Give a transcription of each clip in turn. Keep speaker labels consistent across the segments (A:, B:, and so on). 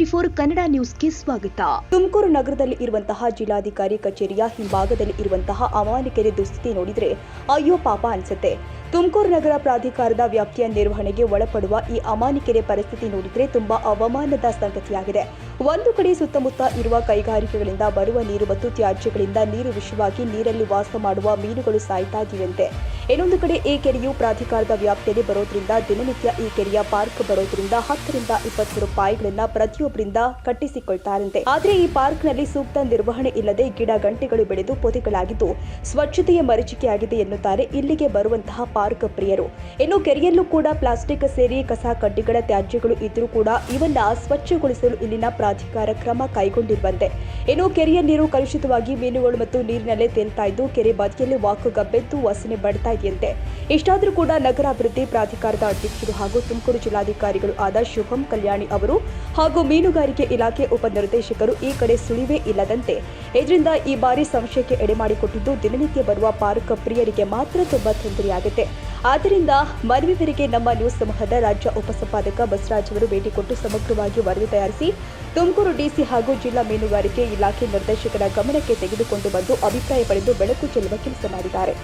A: N24 Kannada ನ್ಯೂಸ್ಗೆ ಸ್ವಾಗತ. ತುಮಕೂರು ನಗರದಲ್ಲಿ ಇರುವಂತಹ ಜಿಲ್ಲಾಧಿಕಾರಿ ಕಚೇರಿಯ ಹಿಂಭಾಗದಲ್ಲಿ ಇರುವಂತಹ ಅಮಾನಿಕೆರೆ ದುಸ್ಥಿತಿ ನೋಡಿದ್ರೆ ಅಯ್ಯೋ ಪಾಪ ಅನ್ಸುತ್ತೆ. ತುಮಕೂರು ನಗರ ಪ್ರಾಧಿಕಾರದ ವ್ಯಾಪ್ತಿಯ ನಿರ್ವಹಣೆಗೆ ಒಳಪಡುವ ಈ ಅಮಾನಿಕೆರೆ ಪರಿಸ್ಥಿತಿ ನೋಡಿದ್ರೆ ತುಂಬಾ ಅವಮಾನದ ಸಂಗತಿಯಾಗಿದೆ. ಒಂದು ಕಡೆ ಸುತ್ತಮುತ್ತ ಇರುವ ಕೈಗಾರಿಕೆಗಳಿಂದ ಬರುವ ನೀರು ಮತ್ತು ತ್ಯಾಜ್ಯಗಳಿಂದ ನೀರು ವಿಷವಾಗಿ ನೀರಲ್ಲಿ ವಾಸ ಮಾಡುವ ಮೀನುಗಳು ಸಾಯ್ತಾ ಇವೆಯಂತೆ. ಇನ್ನೊಂದು ಕಡೆ ಈ ಕೆರೆಯು ಪ್ರಾಧಿಕಾರದ ವ್ಯಾಪ್ತಿಯಲ್ಲಿ ಬರೋದ್ರಿಂದ ದಿನನಿತ್ಯ ಈ ಕೆರೆಯ ಪಾರ್ಕ್ ಬರೋದ್ರಿಂದ 10 ರಿಂದ 20 ರೂಪಾಯಿಗಳನ್ನ ಪ್ರತಿಯೊಬ್ಬರಿಂದ ಕಟ್ಟಿಸಿಕೊಳ್ತಾರಂತೆ. ಆದ್ರೆ ಈ ಪಾರ್ಕ್ನಲ್ಲಿ ಸೂಕ್ತ ನಿರ್ವಹಣೆ ಇಲ್ಲದೆ ಗಿಡ ಗಂಟೆಗಳು ಬೆಳೆದು ಪೊದೆಗಳಾಗಿದ್ದು ಸ್ವಚ್ಛತೆಯ ಮರೀಚಿಕೆಯಾಗಿದೆ ಎನ್ನುತ್ತಾರೆ ಇಲ್ಲಿಗೆ ಬರುವಂತಹ ಪಾರ್ಕ್ ಪ್ರಿಯರು. ಇನ್ನು ಕೆರೆಯಲ್ಲೂ ಕೂಡ ಪ್ಲಾಸ್ಟಿಕ್ ಸೇರಿ ಕಸ ಕಡ್ಡಿಗಳ ತ್ಯಾಜ್ಯಗಳು ಇದ್ರೂ ಕೂಡ ಇವನ್ನ ಸ್ವಚ್ಛಗೊಳಿಸಲು ಇಲ್ಲಿನ ಪ್ರಾಧಿಕಾರ ಕ್ರಮ ಕೈಗೊಂಡಿರುವಂತೆ. ಇನ್ನು ಕೆರೆಯ ನೀರು ಕಲುಷಿತವಾಗಿ ಮೀನುಗಳು ಮತ್ತು ನೀರಿನಲ್ಲೇ ತೇಲ್ತಾ ಇದ್ದು ಕೆರೆ ಬದಿಯಲ್ಲಿ ವಾಕುಗಬ್ಬೆದ್ದು ವಾಸನೆ ಬಡ್ತಾ ಇದೆಯಂತೆ. ಇಷ್ಟಾದರೂ ಕೂಡ ನಗರಾಭಿವೃದ್ಧಿ ಪ್ರಾಧಿಕಾರದ ಅಧ್ಯಕ್ಷರು ಹಾಗೂ ತುಮಕೂರು ಜಿಲ್ಲಾಧಿಕಾರಿಗಳು ಆದ ಶುಭಂ ಕಲ್ಯಾಣಿ ಅವರು ಹಾಗೂ ಮೀನುಗಾರಿಕೆ ಇಲಾಖೆ ಉಪನಿರ್ದೇಶಕರು ಈ ಕಡೆ ಸುಳಿವೇ ಇಲ್ಲದಂತೆ ಇದರಿಂದ ಈ ಬಾರಿ ಸಂಶಯಕ್ಕೆ ಎಡೆಮಾಡಿಕೊಟ್ಟಿದ್ದು ದಿನನಿತ್ಯ ಬರುವ ಪಾರ್ಕ್ ಪ್ರಿಯರಿಗೆ ಮಾತ್ರ ತುಂಬಾ ತೊಂದರೆಯಾಗುತ್ತೆ. ಆದ್ದರಿಂದ ಮನವಿ ಮೇರೆಗೆ ನಮ್ಮ ನ್ಯೂಸ್ ಸಮೂಹದ ರಾಜ್ಯ ಉಪಸಂಪಾದಕ ಬಸವರಾಜ್ ಅವರು ಭೇಟಿ ಕೊಟ್ಟು ಸಮಗ್ರವಾಗಿ ವರದಿ ತಯಾರಿಸಿ ತುಮಕೂರು ಡಿಸಿ ಹಾಗೂ ಜಿಲ್ಲಾ ಮೀನುಗಾರಿಕೆ ಇಲಾಖೆ ನಿರ್ದೇಶಕರ ಗಮನಕ್ಕೆ ತೆಗೆದುಕೊಂಡು ಬಂದು ಅಭಿಪ್ರಾಯ ಪಡೆದು ಬೆಳಕು ಚೆಲ್ಲುವ ಕೆಲಸ ಮಾಡಿದ್ದಾರೆ.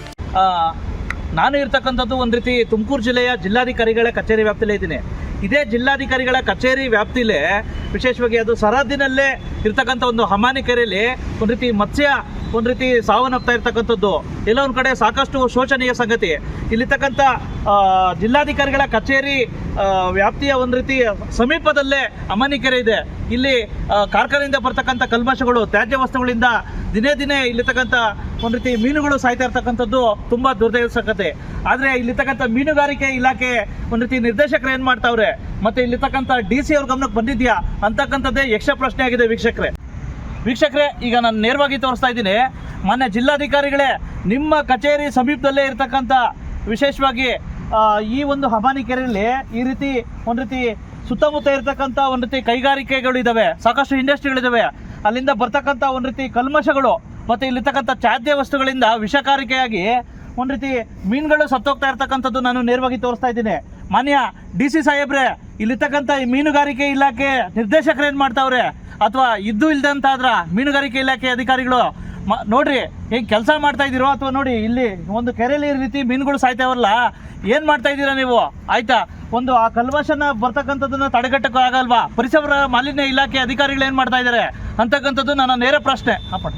B: ನಾನು ಇರ್ತಕ್ಕಂಥದ್ದು ಒಂದು ರೀತಿ ತುಮಕೂರು ಜಿಲ್ಲೆಯ ಜಿಲ್ಲಾಧಿಕಾರಿಗಳ ಕಚೇರಿ ವ್ಯಾಪ್ತಿಲೇ ಇದ್ದೀನಿ. ಇದೇ ಜಿಲ್ಲಾಧಿಕಾರಿಗಳ ಕಚೇರಿ ವ್ಯಾಪ್ತಿಲೇ ವಿಶೇಷವಾಗಿ ಅದು ಸರಹದ್ದಿನಲ್ಲೇ ಇರ್ತಕ್ಕಂಥ ಒಂದು ಅಮಾನಿಕೆರೆಯಲ್ಲಿ ಒಂದು ರೀತಿ ಮತ್ಸ್ಯ ಒಂದು ರೀತಿ ಸಾವನ್ನಪ್ತಾ ಇರ್ತಕ್ಕಂಥದ್ದು ಎಲ್ಲ ಒಂದು ಕಡೆ ಸಾಕಷ್ಟು ಶೋಚನೀಯ ಸಂಗತಿ. ಇಲ್ಲಿರ್ತಕ್ಕಂಥ ಜಿಲ್ಲಾಧಿಕಾರಿಗಳ ಕಚೇರಿ ವ್ಯಾಪ್ತಿಯ ಒಂದು ರೀತಿ ಸಮೀಪದಲ್ಲೇ ಅಮಾನಿಕೆರೆ ಇದೆ. ಇಲ್ಲಿ ಕಾರ್ಖಾನೆಯಿಂದ ಬರ್ತಕ್ಕಂಥ ಕಲ್ಮಶಗಳು ತ್ಯಾಜ್ಯ ವಸ್ತುಗಳಿಂದ ದಿನೇ ದಿನೇ ಇಲ್ಲಿರ್ತಕ್ಕಂಥ ಒಂದು ರೀತಿ ಮೀನುಗಳು ಸಾಯ್ತಾ ಇರ್ತಕ್ಕಂಥದ್ದು ತುಂಬ ದುರ್ದೈವ ಸಂಗತಿ. ಆದರೆ ಇಲ್ಲಿರ್ತಕ್ಕಂಥ ಮೀನುಗಾರಿಕೆ ಇಲಾಖೆ ಒಂದು ರೀತಿ ನಿರ್ದೇಶಕರು ಏನು ಮಾಡ್ತಾವ್ರೆ ಮತ್ತು ಇಲ್ಲಿರ್ತಕ್ಕಂಥ DC ಅವ್ರ ಗಮನಕ್ಕೆ ಬಂದಿದ್ಯಾ ಅಂತಕ್ಕಂಥದ್ದೇ ಯಕ್ಷ ಪ್ರಶ್ನೆ ಆಗಿದೆ. ವೀಕ್ಷಕರೇ ಈಗ ನಾನು ನೇರವಾಗಿ ತೋರಿಸ್ತಾ ಇದ್ದೀನಿ. ಮಾನ್ಯ ಜಿಲ್ಲಾಧಿಕಾರಿಗಳೇ, ನಿಮ್ಮ ಕಚೇರಿ ಸಮೀಪದಲ್ಲೇ ಇರ್ತಕ್ಕಂಥ ವಿಶೇಷವಾಗಿ ಈ ಒಂದು ಅಮಾನಿಕೆರೆಯಲ್ಲಿ ಈ ರೀತಿ ಒಂದು ರೀತಿ ಸುತ್ತಮುತ್ತ ಇರ್ತಕ್ಕಂಥ ಒಂದು ರೀತಿ ಕೈಗಾರಿಕೆಗಳು ಇದ್ದಾವೆ, ಸಾಕಷ್ಟು ಇಂಡಸ್ಟ್ರಿಗಳಿದ್ದಾವೆ. ಅಲ್ಲಿಂದ ಬರ್ತಕ್ಕಂಥ ಒಂದು ರೀತಿ ಕಲ್ಮಶಗಳು ಮತ್ತು ಇಲ್ಲಿರ್ತಕ್ಕಂಥ ತ್ಯಾಜ್ಯ ವಸ್ತುಗಳಿಂದ ವಿಷಕಾರಿಕೆಯಾಗಿ ಒಂದು ರೀತಿ ಮೀನುಗಳು ಸತ್ತೋಗ್ತಾ ಇರ್ತಕ್ಕಂಥದ್ದು ನಾನು ನೇರವಾಗಿ ತೋರಿಸ್ತಾ ಇದ್ದೀನಿ. ಮಾನ್ಯ DC ಸಾಹೇಬ್ರೆ, ಇಲ್ಲಿರ್ತಕ್ಕಂಥ ಈ ಮೀನುಗಾರಿಕೆ ಇಲಾಖೆ ನಿರ್ದೇಶಕರು ಏನು ಮಾಡ್ತಾವ್ರೆ ಅಥವಾ ಇದ್ದು ಇಲ್ದಂತಾದ್ರ ಮೀನುಗಾರಿಕೆ ಇಲಾಖೆ ಅಧಿಕಾರಿಗಳು ನೋಡ್ರಿ ಹೆಂಗೆ ಕೆಲಸ ಮಾಡ್ತಾ ಇದ್ದೀರೋ ಅಥವಾ ನೋಡಿ ಇಲ್ಲಿ ಒಂದು ಕೆರೆಯಲ್ಲಿ ಈ ರೀತಿ ಮೀನುಗಳು ಸಾಯ್ತಾವಲ್ಲ, ಏನು ಮಾಡ್ತಾ ಇದ್ದೀರಾ ನೀವು? ಆಯ್ತಾ, ಒಂದು ಆ ಕಲ್ಮಶನ ಬರ್ತಕ್ಕಂಥದ್ದನ್ನ ತಡೆಗಟ್ಟಕ್ಕೆ ಆಗಲ್ವಾ? ಪರಿಸರ ಮಾಲಿನ್ಯ ಇಲಾಖೆ ಅಧಿಕಾರಿಗಳು ಏನು ಮಾಡ್ತಾ ಇದ್ದಾರೆ ಅಂತಕ್ಕಂಥದ್ದು ನನ್ನ ನೇರ ಪ್ರಶ್ನೆ.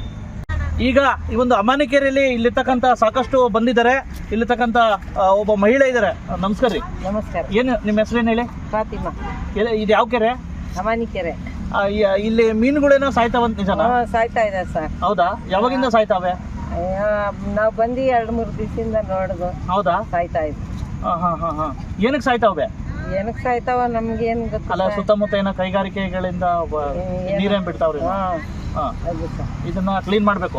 B: ಈಗ ಈ ಒಂದು ಅಮಾನಿಕೆರೆಯಲ್ಲಿ ಇಲ್ಲಿರ್ತಕ್ಕಂಥ ಸಾಕಷ್ಟು ಬಂದಿದ್ದಾರೆ. ಇಲ್ಲಿರ್ತಕ್ಕಂಥ ಒಬ್ಬ ಮಹಿಳೆ ಇದ್ದಾರೆ. ನಮಸ್ಕಾರ ರೀ.
C: ನಮಸ್ಕಾರ.
B: ಏನು ನಿಮ್ಮ ಹೆಸರೇನು ಹೇಳಿ?
C: ಫಾತಿಮಾ.
B: ಇದು ಯಾವ ಕೆರೆ?
C: ಅಮಾನಿಕೆರೆ.
B: ಇಲ್ಲಿ ಮೀನುಗಳೇನೋ ಸಾಯ್ತಾವಂತ ನಿಜನಾ?
C: ಸಾಯ್ತಾ ಇದೆ ಸರ್.
B: ಹೌದಾ? ಯಾವಾಗಿಂದ ಸಾಯ್ತಾವೆ?
C: ನಾವು ಬಂದು 2-3 ದಿವಸದಿಂದ ನೋಡುದು.
B: ಹೌದಾ?
C: ಸಾಯ್ತಾ ಇದೆ.
B: ಏನಕ್ಕೆ ಸಾಯ್ತಾವೆ?
C: ಏನಕ್ಕೆ ಸಾಯ್ತಾವ ನಮ್ಗೇನು ಗೊತ್ತಿಲ್ಲ.
B: ಅಲ್ಲ, ಸುತ್ತಮುತ್ತ ಏನೋ ಕೈಗಾರಿಕೆಗಳಿಂದ ನೀರೇನ್ ಬಿಡ್ತಾವ್ರಿ? ಇದನ್ನ ಕ್ಲೀನ್ ಮಾಡ್ಬೇಕು.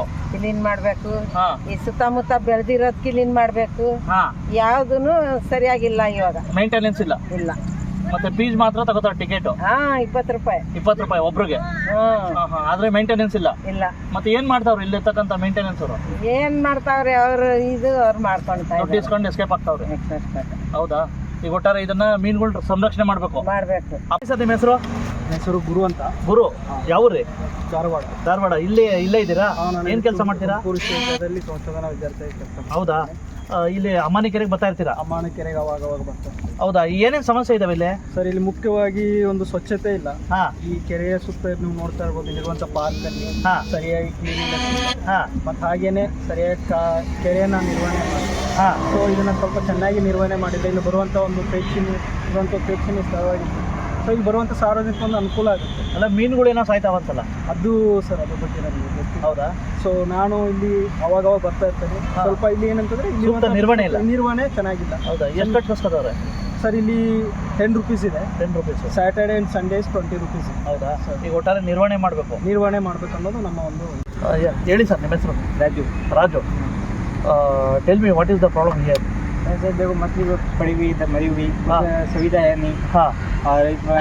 B: ಈ ಸುತ್ತಮುತ್ತ ಬೆಳೆದಿರೋದ್ ಕ್ಲೀನ್ ಮಾಡ್ಬೇಕು. ಯಾವ್ದೂನು ಸರಿಯಾಗಿಲ್ಲ ಇವಾಗ. ಮೇಂಟೆನೆನ್ಸ್ ಇಲ್ಲ. ಮತ್ತೆ ಫೀಸ್ ಮಾತ್ರ ತಗೋತಾರೆ ಟಿಕೆಟ್.
C: 20 ರೂಪಾಯಿ.
B: 20 ರೂಪಾಯಿ ಒಬ್ರಿಗೆ. ಆದ್ರೆ ಮೇಂಟೆನೆನ್ಸ್ ಇಲ್ಲ. ಮತ್ತೆ ಏನ್ ಮಾಡ್ತಾವ್ರಿ ಇಲ್ಲಿರ್ತಕ್ಕಂಥ ಮೇಂಟೆನೆನ್ಸ್ ಅವರು?
C: ಏನ್ ಮಾಡ್ತಾವ್ರಿ ಅವ್ರು ಮಾಡ್ಕೊಂತಾರೆ.
B: ದುಡ್ಡು ಇಸ್ಕೊಂಡು ಎಸ್ಕೇಪ್ ಆಗ್ತಾವ್ರಿ. ಹೌದಾ? ಈಗ ಒಟ್ಟಾರೆ ಇದನ್ನ ಮೀನುಗಳು ಸಂರಕ್ಷಣೆ ಮಾಡ್ಬೇಕು. ನಿಮ್ಮ ಹೆಸರು? ಗುರು ಅಂತ. ಗುರು ಯಾವ್ರಿ? ಧಾರವಾಡ. ಇಲ್ಲೇ ಇದ್ದೀರಾ? ಏನ್ ಕೆಲಸ ಮಾಡ್ತೀರಾ?
D: ಸಂಶೋಧನಾ ವಿದ್ಯಾರ್ಥಿ ಕೆಲಸ.
B: ಹೌದಾ? ಇಲ್ಲಿ ಅಮಾನಿಕೆರೆಗೆ ಬರ್ತಾ ಇರ್ತೀರಾ?
D: ಅಮಾನಿಕೆರೆಗೆ ಅವಾಗ ಬರ್ತಾರೆ.
B: ಹೌದಾ? ಏನೇನು ಸಮಸ್ಯೆ ಇದಾವೆ ಇಲ್ಲಿ?
D: ಸರ್, ಇಲ್ಲಿ ಮುಖ್ಯವಾಗಿ ಒಂದು ಸ್ವಚ್ಛತೆ ಇಲ್ಲ. ಈ ಕೆರೆಯ ಸುತ್ತ ನೀವು ನೋಡ್ತಾ ಇರ್ಬೋದು, ಇಲ್ಲಿರುವಂತ ಪಾರ್ಕ್ ಅಲ್ಲಿ ಸರಿಯಾಗಿ ಕ್ಲೀನಿಂಗ್ ಮತ್ತೆ ಹಾಗೇನೆ ಸರಿಯಾಗಿ ಕೆರೆಯನ್ನ ನಿರ್ವಹಣೆ ಮಾಡಿ ಸೊ ಇದನ್ನ ಸ್ವಲ್ಪ ಚೆನ್ನಾಗಿ ನಿರ್ವಹಣೆ ಮಾಡಿದ್ರೆ ಇಲ್ಲಿ ಬರುವಂತ ಒಂದು ಪ್ರೇಕ್ಷಣೀಯ ಸ್ಥಳವಾಗಿದೆ. ಸೊ ಇಲ್ಲಿ ಬರುವಂತ ಸಾರ್ವಜನಿಕ ಒಂದು ಅನುಕೂಲ ಆಗುತ್ತೆ.
B: ಅಲ್ಲ, ಮೀನುಗಳು ಏನೋ ಸಾಯ್ತಾವಂತಲ್ಲ
D: ಅದು ಸರ್, ಅದ್ರ ಬಗ್ಗೆ ನನಗೆ ಗೊತ್ತಿಲ್ಲ.
B: ಹೌದಾ?
D: ಸೊ ನಾನು ಇಲ್ಲಿ ಅವಾಗ ಬರ್ತಾ ಇರ್ತೇನೆ. ಸ್ವಲ್ಪ ಇಲ್ಲಿ ಏನಂತಂದ್ರೆ ಇಲ್ಲಿ
B: ನಿರ್ವಹಣೆ ಇಲ್ಲ.
D: ನಿರ್ವಹಣೆ ಚೆನ್ನಾಗಿಲ್ಲ.
B: ಹೌದಾ? ಎಷ್ಟು ಕಟ್ಸ್ಕೊತಾರೆ
D: ಸರ್? ಇಲ್ಲಿ 10 ರೂಪೀಸ್ ಇದೆ.
B: 10 rupees.
D: Saturday and Sundays 20 rupees.
B: ಹೌದಾ? ಈಗ ಒಟ್ಟಾರೆ ನಿರ್ವಹಣೆ ಮಾಡಬೇಕು
D: ಅನ್ನೋದು ನಮ್ಮ ಒಂದು.
B: ಹೇಳಿ ಸರ್, ನಿಮ್ಮ ಹೆಸರು? Raju. Tell me what is the problem here?
D: ऐसे देखो, मछली पड़ी हुई इधर मरी हुई, सुविधा है नहीं. और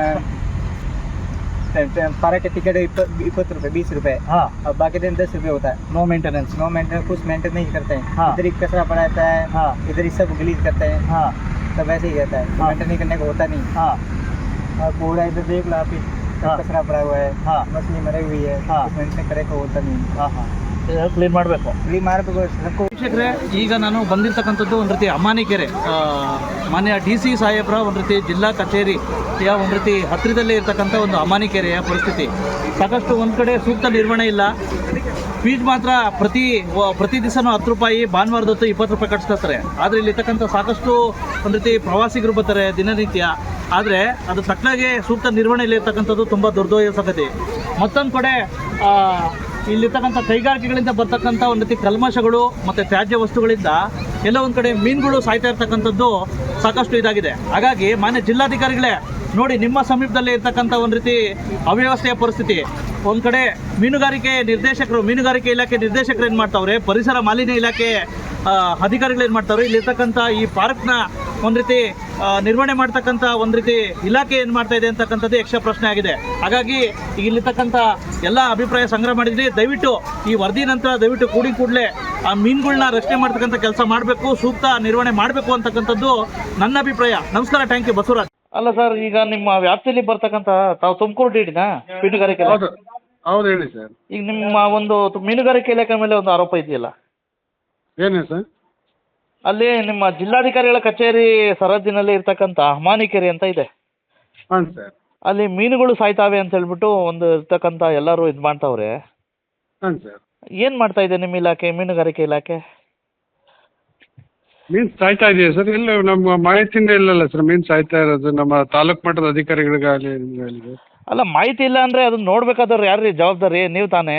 D: पारा के टिकट 20 रुपये 20 रुपये. और बाकी दिन 10 रुपये होता है. No maintenance. कुछ मेंटेन नहीं करते हैं. इधर ही कचरा पड़ा रहता है. इधर ही सब गलीज करते हैं. सब ऐसे ही रहता है. मेंटेन नहीं करने को होता नहीं. और कूड़ा इधर देख लो आप ही. कचरा भरा हुआ है,
B: हाँ।
D: मछली मरी हुई है,
B: हाँ।
D: मेंटेन करे को होता नहीं,
B: ಕ್ಲೀನ್ ಮಾಡಬೇಕು.
D: क्लीन मारಬೇಕು सबको।
B: ವೀಕ್ಷಕರೇ, ಈಗ ನಾನು ಬಂದಿರತಕ್ಕಂಥದ್ದು ಒಂದು ರೀತಿ ಅಮಾನಿಕೆರೆ ಮಾನ್ಯ DC ಸಾಹೇಬ್ರ ಒಂದು ರೀತಿ ಜಿಲ್ಲಾ ಕಚೇರಿಯ ಒಂದು ರೀತಿ ಹತ್ತಿರದಲ್ಲೇ ಇರತಕ್ಕಂಥ ಒಂದು ಅಮಾನಿಕೆರೆಯ ಪರಿಸ್ಥಿತಿ. ಸಾಕಷ್ಟು ಒಂದು ಕಡೆ ಸೂಕ್ತ ನಿರ್ವಹಣೆ ಇಲ್ಲ. ಫೀಸ್ ಮಾತ್ರ ಪ್ರತಿ ದಿವಸನೂ 10 ರೂಪಾಯಿ, ಭಾನುವಾರದೊತ್ತು 20 ರೂಪಾಯಿ ಕಟ್ಸ್ಕೊತಾರೆ. ಆದರೆ ಇಲ್ಲಿರ್ತಕ್ಕಂಥ ಸಾಕಷ್ಟು ಒಂದು ರೀತಿ ಪ್ರವಾಸಿಗರು ಬರ್ತಾರೆ ದಿನನಿತ್ಯ. ಆದರೆ ಅದು ತಕ್ಕನಾಗೆ ಸೂಕ್ತ ನಿರ್ವಹಣೆ ಇಲ್ಲಿರ್ತಕ್ಕಂಥದ್ದು ತುಂಬ ದುರ್ದೈವ ಸಂಗತಿ. ಮತ್ತೊಂದು ಕಡೆ ಇಲ್ಲಿರ್ತಕ್ಕಂಥ ಕೈಗಾರಿಕೆಗಳಿಂದ ಬರ್ತಕ್ಕಂಥ ಒಂದು ರೀತಿ ಕಲ್ಮಶಗಳು ಮತ್ತು ತ್ಯಾಜ್ಯ ವಸ್ತುಗಳಿಂದ ಎಲ್ಲ ಒಂದು ಕಡೆ ಮೀನುಗಳು ಸಾಯ್ತಾ ಇರ್ತಕ್ಕಂಥದ್ದು ಸಾಕಷ್ಟು ಇದಾಗಿದೆ. ಹಾಗಾಗಿ ಮಾನ್ಯ ಜಿಲ್ಲಾಧಿಕಾರಿಗಳೇ ನೋಡಿ, ನಿಮ್ಮ ಸಮೀಪದಲ್ಲೇ ಇರ್ತಕ್ಕಂಥ ಒಂದು ರೀತಿ ಅವ್ಯವಸ್ಥೆಯ ಪರಿಸ್ಥಿತಿ. ಒಂದು ಕಡೆ ಮೀನುಗಾರಿಕೆ ಇಲಾಖೆ ನಿರ್ದೇಶಕರು ಏನು ಮಾಡ್ತಾವ್ರೆ, ಪರಿಸರ ಮಾಲಿನ್ಯ ಇಲಾಖೆ ಅಧಿಕಾರಿಗಳು ಏನು ಮಾಡ್ತಾವ್ರೆ, ಇಲ್ಲಿರ್ತಕ್ಕಂಥ ಈ ಪಾರ್ಕ್ನ ಒಂದು ರೀತಿ ನಿರ್ವಹಣೆ ಮಾಡ್ತಕ್ಕಂಥ ಒಂದು ರೀತಿ ಇಲಾಖೆ ಏನು ಮಾಡ್ತಾ ಇದೆ ಅಂತಕ್ಕಂಥದ್ದು ಯಕ್ಷ ಪ್ರಶ್ನೆ ಆಗಿದೆ. ಹಾಗಾಗಿ ಇಲ್ಲಿರ್ತಕ್ಕಂಥ ಎಲ್ಲ ಅಭಿಪ್ರಾಯ ಸಂಗ್ರಹ ಮಾಡಿದ್ರಿ. ದಯವಿಟ್ಟು ಈ ವರದಿ ನಂತರ ದಯವಿಟ್ಟು ಕೂಡಲೇ ಆ ಮೀನುಗಳನ್ನ ರಕ್ಷಣೆ ಮಾಡ್ತಕ್ಕಂಥ ಕೆಲಸ ಮಾಡಬೇಕು, ಸೂಕ್ತ ನಿರ್ವಹಣೆ ಮಾಡಬೇಕು ಅಂತಕ್ಕಂಥದ್ದು ನನ್ನ ಅಭಿಪ್ರಾಯ. ನಮಸ್ಕಾರ, ಥ್ಯಾಂಕ್ ಯು. ಬಸವರಾಜ್. ಅಲ್ಲ ಸರ್, ಈಗ ನಿಮ್ಮ ವ್ಯಾಪ್ತಿಯಲ್ಲಿ ಬರ್ತಕ್ಕಂಥ ತಾವು ತುಮಕೂರು ಡಿಡಿನಾ ಮೀನುಗಾರಿಕೆ?
E: ಹೌದು ಹೇಳಿ ಸರ್.
B: ಈಗ ನಿಮ್ಮ ಒಂದು ಮೀನುಗಾರಿಕೆ ಇಲಾಖೆ ಮೇಲೆ ಒಂದು ಆರೋಪ ಇದೆಯಲ್ಲ,
E: ಏನೇ ಸರ್?
B: ಅಲ್ಲಿ ನಿಮ್ಮ ಜಿಲ್ಲಾಧಿಕಾರಿಗಳ ಕಚೇರಿ ಸರಹದ್ದಿನಲ್ಲಿ ಇರ್ತಕ್ಕಂಥ ಅಮಾನಿಕೆರೆ ಅಂತ ಇದೆ.
E: ಹಾಂ ಸರ್.
B: ಅಲ್ಲಿ ಮೀನುಗಳು ಸಾಯ್ತಾವೆ ಅಂತ ಹೇಳ್ಬಿಟ್ಟು ಒಂದು ಇರ್ತಕ್ಕಂಥ ಎಲ್ಲರೂ ಇದು ಮಾಡ್ತಾವ್ರೆ.
E: ಹಾಂ ಸರ್.
B: ಏನು ಮಾಡ್ತಾ ಇದೆ ನಿಮ್ಮ ಇಲಾಖೆ, ಮೀನುಗಾರಿಕೆ ಇಲಾಖೆ?
E: ಮೀನು ಸಾಯ್ತಾ ಇದೆಯಾ ಸರ್? ಇಲ್ಲ, ನಮ್ಮ ಮಾಹಿತಿಯಿಂದ ಇಲ್ಲಲ್ಲ ಸರ್ ಮೀನು ಸಾಯ್ತಾ ಇರೋದು. ನಮ್ಮ ತಾಲೂಕು ಮಟ್ಟದ ಅಧಿಕಾರಿಗಳಿಗಾಗಲಿ ನಿಮಗಾಗಲಿ.
B: ಅಲ್ಲ, ಮಾಹಿತಿ ಇಲ್ಲ ಅಂದರೆ ಅದನ್ನ ನೋಡ್ಬೇಕಾದವ್ರು ಯಾರು ರೀ ಜವಾಬ್ದಾರಿ? ನೀವು ತಾನೇ?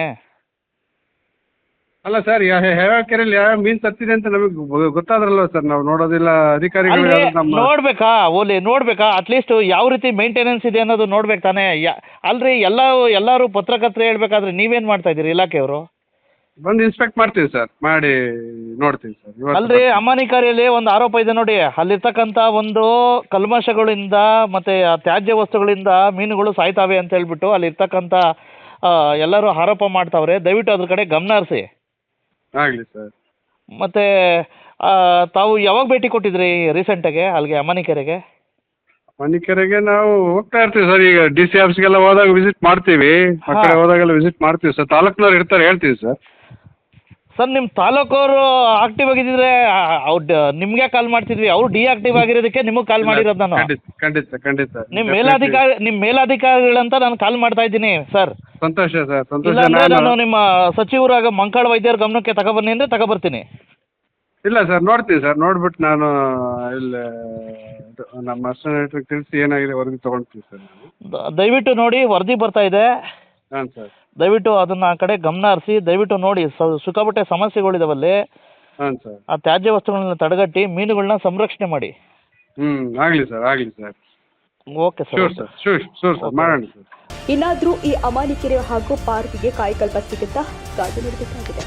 E: ಅಲ್ಲ ಸರ್, ಯಾವ ಕೆರೆಯಲ್ಲಿ ಯಾವ ಮೀನು ಸತ್ತಿದೆ ಅಂತ ನಮಗೆ ಗೊತ್ತಾದ್ರಲ್ವ ಸರ್, ನಾವು ನೋಡೋದಿಲ್ಲ. ಅಧಿಕಾರಿಗಳು ನಮ್ಮ
B: ನೋಡ್ಬೇಕಾ ಅಟ್ಲೀಸ್ಟ್ ಯಾವ ರೀತಿ ಮೇಂಟೆನೆನ್ಸ್ ಇದೆ ಅನ್ನೋದು ನೋಡ್ಬೇಕು ತಾನೇ. ಅಲ್ರಿ, ಎಲ್ಲರೂ ಪತ್ರಕರ್ತರು ಹೇಳ್ಬೇಕಾದ್ರೆ ನೀವೇನು ಮಾಡ್ತಾ ಇದ್ದೀರಿ ಇಲಾಖೆಯವರು?
E: ಬಂದು ಇನ್ಸ್ಪೆಕ್ಟ್ ಮಾಡ್ತೀವಿ ಸರ್, ಮಾಡಿ ನೋಡ್ತೀವಿ ಸರ್.
B: ಅಲ್ರಿ, ಅಮಾನಿಕೆರೆಯಲ್ಲಿ ಒಂದು ಆರೋಪ ಇದೆ ನೋಡಿ, ಅಲ್ಲಿರ್ತಕ್ಕಂಥ ಒಂದು ಕಲ್ಮಶಗಳಿಂದ ಮತ್ತೆ ತ್ಯಾಜ್ಯ ವಸ್ತುಗಳಿಂದ ಮೀನುಗಳು ಸಾಯ್ತಾವೆ ಅಂತ ಹೇಳ್ಬಿಟ್ಟು ಅಲ್ಲಿರ್ತಕ್ಕಂಥ ಎಲ್ಲರೂ ಆರೋಪ ಮಾಡ್ತಾವ್ರೆ. ದಯವಿಟ್ಟು ಅದ್ರ ಕಡೆ ಗಮನ ಹರಿಸಿ.
E: ಆಗಲಿ ಸರ್.
B: ಮತ್ತೆ ತಾವು ಯಾವಾಗ ಭೇಟಿ ಕೊಟ್ಟಿದ್ರಿ ರೀಸೆಂಟಾಗೆ ಅಲ್ಲಿಗೆ ಅಮಾನಿಕೆರೆಗೆ?
E: ಮಣಿಕೆರೆಗೆ ನಾವು ಹೋಗ್ತಾ ಇರ್ತೀವಿ ಸರ್. ಈಗ DC ಆಫೀಸ್ಗೆಲ್ಲ ಹೋದಾಗ ವಿಸಿಟ್ ಮಾಡ್ತೀವಿ, ಆ ಕಡೆ ಹೋದಾಗೆಲ್ಲ ವಿಸಿಟ್ ಮಾಡ್ತೀವಿ ಸರ್. ತಾಲೂಕ್ನವ್ರು ಇರ್ತಾರೆ, ಹೇಳ್ತೀವಿ ಸರ್.
B: ಸರ್, ನಿಮ್ಮ ತಾಲೂಕವರು ಆಕ್ಟಿವ್ ಆಗಿದ್ದರೆ ನಿಮಗೆ ಕಾಲ್ ಮಾಡ್ತಿದ್ವಿ. ಅವರು ಡಿಆಕ್ಟಿವ್ ಆಗಿರೋದಕ್ಕೆ ನಿಮಗೆ ಕಾಲ್ ಮಾಡಿರೋದು ನಾನು.
E: ಖಂಡಿತ.
B: ನಿಮ್ಮ ಮೇಲಾಧಿಕಾರಿಗಳಂತ ನಾನು ಕಾಲ್ ಮಾಡ್ತಾ ಇದ್ದೀನಿ ಸರ್.
E: ಸಂತೋಷ ಸರ್, ಸಂತೋಷ.
B: ಇಲ್ಲಾಂದ್ರೆ ನಾನು ನಿಮ್ಮ ಸಚಿವರಾಗ ಮಂಕಾಳ ವೈದ್ಯರ ಗಮನಕ್ಕೆ ತಗೊಬನ್ನಿ ಅಂದರೆ ತಗೊಬರ್ತೀನಿ.
E: ಇಲ್ಲ ಸರ್, ನೋಡ್ತೀನಿ ಸರ್. ನೋಡ್ಬಿಟ್ಟು ನಾನು ಇಲ್ಲಿ ನಮ್ಮ ಅಸಿಸ್ಟೆಂಟ್ ತಿಳಿಸಿ ಏನಾಗಿದೆ ವರದಿ ತೊಗೊಳ್ತೀವಿ ಸರ್.
B: ದಯವಿಟ್ಟು ನೋಡಿ, ವರದಿ ಬರ್ತಾ ಇದೆ.
E: ಹಾಂ ಸರ್.
B: ದಯವಿಟ್ಟು ಅದನ್ನ ಆ ಕಡೆ ಗಮನ ಹರಿಸಿ. ದಯವಿಟ್ಟು ನೋಡಿ, ಸಿಕ್ಕಾಪಟ್ಟೆ ಸಮಸ್ಯೆಗಳಿದಾವಲ್ಲಿ.
E: ಹಾಂ ಸರ್.
B: ಆ ತ್ಯಾಜ್ಯ ವಸ್ತುಗಳನ್ನ ತಡೆಗಟ್ಟಿ ಮೀನುಗಳನ್ನ ಸಂರಕ್ಷಣೆ ಮಾಡಿ.
E: ಆಗಲಿ sir.
B: Okay sir.
E: Sure sir, ಮಾಡೋಣ ಸರ್.
A: ಇನ್ನಾದರೂ ಈ ಅಮಾನಿಕೆರೆ ಹಾಗೂ ಪಾರ್ಕ್ಗೆ ಕಾಯಕಲ್ಪ ಸಿಗುತ್ತಾ ಕಾದು ನೋಡಬೇಕಾಗಿದೆ.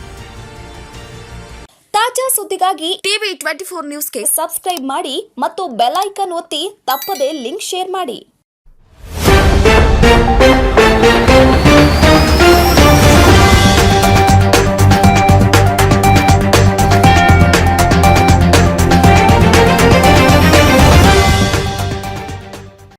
A: ತಾಜಾ ಸುದ್ದಿಗಾಗಿ ಟಿವಿ 24 ನ್ಯೂಸ್ಗೆ ಸಬ್ಸ್ಕ್ರೈಬ್ ಮಾಡಿ ಮತ್ತು ಬೆಲ್ ಐಕಾನ್ ಒತ್ತಿ ತಪ್ಪದೇ ಲಿಂಕ್ ಶೇರ್ ಮಾಡಿ.